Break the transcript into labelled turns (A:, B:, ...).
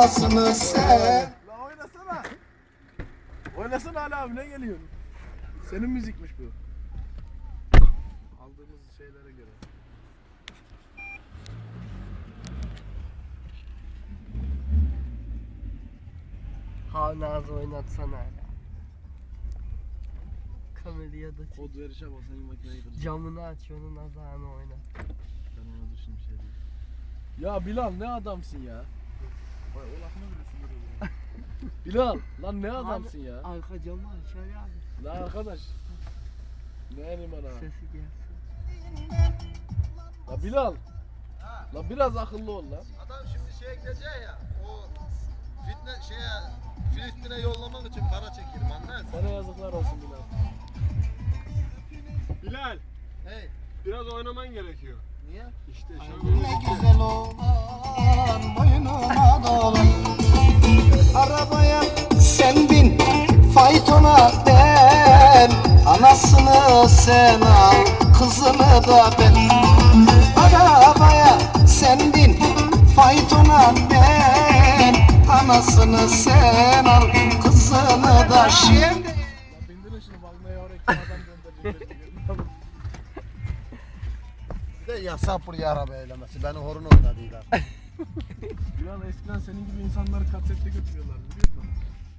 A: anasını sen.
B: La oynasana. Oynasana Ali abi, ne geliyorsun? Senin müzikmiş bu. Aldığımız şeylere göre.
C: Havnazı oynatsana hala. Kameraya da çek.
B: Kod verişe basan makineyi kıracağım.
C: Camını aç, onun azağını oynat.
B: Ben ona dur şimdi bir şey diyeyim. Ya Bilal ne adamsın ya. Vay o lafını bile sinir Bilal lan ne adamsın ya.
C: Arka camı aç Ali abi.
B: La arkadaş. Ne elim ana.
C: Sesi gelsin.
B: La Bilal. La biraz akıllı ol lan.
D: Adam şimdi şeye gidecek ya, o fitne Filistin'e yollamak için para çekiyor, anlar mısın?
B: Sana yazıklar olsun Bilal.
E: Bilal,
D: Hey,
E: biraz oynaman gerekiyor.
D: niye?
E: İşte
A: Ne
E: şöyle.
A: güzel olan boynuma dolan. Arabaya sen bin, faytona ben. Anasını sen al, kızını da ben. Arabaya sen bin, faytona ben. Anasını sen al, kızını da şimdi.
B: La bindirin şunu Magna'ya oraya kim adam gönderecek.
D: Bir de yasak buraya araba eylemesi, beni horun oynadıylar.
B: Bilal eskiden senin gibi insanları kasetle götürüyorlar biliyor musun?